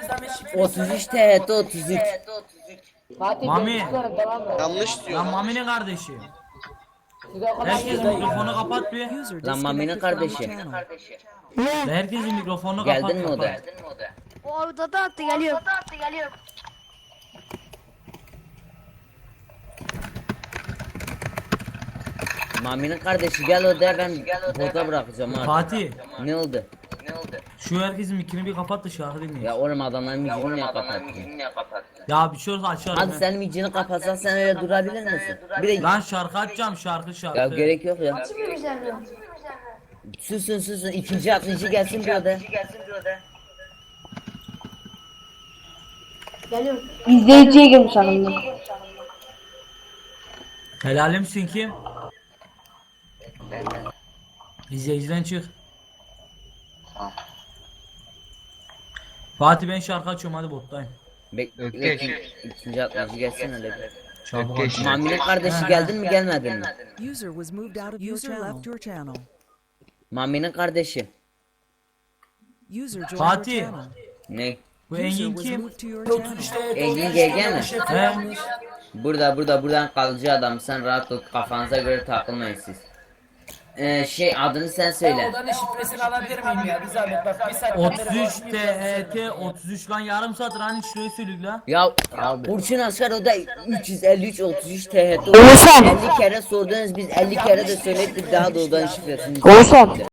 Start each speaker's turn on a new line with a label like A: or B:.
A: 33 THT 33.
B: Fatih
C: Mami.
B: görüşürüz, devam et.
D: Yanlış diyor.
C: Lan Mami'nin kardeşi.
B: Siz o kadar
C: Herkes
B: güzel-
C: mikrofonu kapat bir.
A: Lan Mami'nin kardeşi.
C: Herkesin mikrofonu kapat.
A: Geldin mi o da?
E: O odada attı geliyor.
A: Mami'nin kardeşi gel odaya, ben burada bırakacağım abi.
C: Fatih.
A: Ne oldu?
C: Şu herkesin mikrini bir kapat da şarkı dinleyin.
A: Ya oğlum adamların micini niye kapattın?
C: Ya bir şey olursa açarım.
A: Hadi
C: he.
A: senin micini kapatsan sen öyle durabilir misin? Bir de
C: Lan şarkı açacağım şarkı.
A: ya gerek yok ya. Susun ikinci atlıcı gelsin bir odaya.
E: İzleyiciye girmiş sanırım.
C: Helalimsin kim? İzleyiciden çık. Fatih ben şarkı açıyorum hadi bottayım.
A: Bekle ikinci atlıcı gelsin öyle bir.
C: Çabuk
D: Ökkeş.
C: aç.
A: Mami'nin kardeşi geldin mi gelmedin mi?
F: User was moved out of your channel. Left your channel.
A: Mami'nin kardeşi.
F: User joined
C: Fatih.
F: your channel.
A: Ne?
C: Bu
F: User
C: Engin
F: was
C: kim?
F: moved to your channel.
A: Engin GG mi?
C: He?
A: Buradan kalıcı adam, sen rahat ol, kafanıza göre takılmayın siz. Adını sen söyle.
G: Odanın şifresini alabilir miyim ya? Bir zahmet bak, bir saat.
C: 33 THT 33 lan yarım saat hani şurayı söylük la.
A: Ya Burçin Askar o da 353 33 THT. 50 kere sordunuz, biz 50 kere de söyledik, daha da odanın şifresini.